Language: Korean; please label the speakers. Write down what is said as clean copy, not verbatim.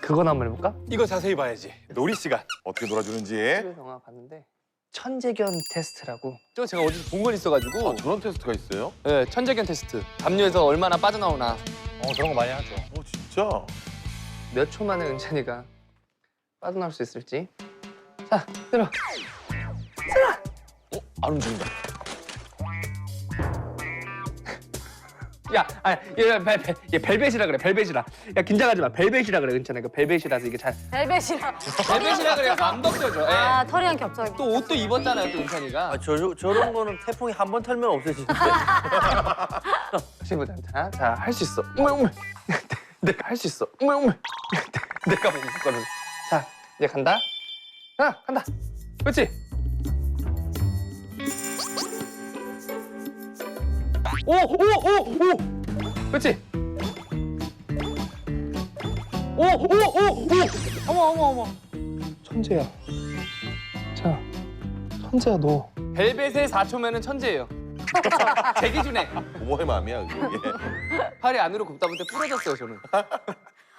Speaker 1: 그거나 한번 해볼까?
Speaker 2: 이거 자세히 봐야지. 놀이 시간.
Speaker 3: 어떻게 놀아주는지.
Speaker 1: TV에서 영화 봤는데 천재견 테스트라고.
Speaker 2: 저 제가 어디서 본 건 있어가지고.
Speaker 3: 저런 테스트가 있어요?
Speaker 2: 네, 천재견 테스트. 담요에서 얼마나 빠져나오나.
Speaker 4: 저런 거 많이 하죠.
Speaker 3: 진짜?
Speaker 1: 몇 초 만에 은찬이가 빠져나올 수 있을지. 자, 들어.
Speaker 2: 안 움직인다.
Speaker 1: 야, 얘 벨벳이라 그래, 벨벳이라. 야, 긴장하지 마, 벨벳이라 그래, 은찬아. 그 벨벳이라서 이게 잘.
Speaker 5: 벨벳이랑.
Speaker 2: 벨벳이라 그래요. 안 벗겨져. 예.
Speaker 5: 아, 털이랑 겹쳐.
Speaker 2: 또 옷도 입었잖아요, 또 은찬이가.
Speaker 6: 저런 거는 태풍이 한 번 털면 없어지는데.
Speaker 1: 다시 보자, 은찬아. 자, 할 수 있어. 어머. 내가 할 수 있어. 어머. 내가 못했거든. 자, 이제 간다. 자, 간다. 그렇지. 오! 그렇지. 오! 어머. 천재야. 자, 천재야 너.
Speaker 2: 벨벳의 4초면은 천재예요. 제 기준에.
Speaker 3: 부모의 마음이야 그게.
Speaker 2: 팔이 안으로 굽다 보니 부러졌어요, 저는.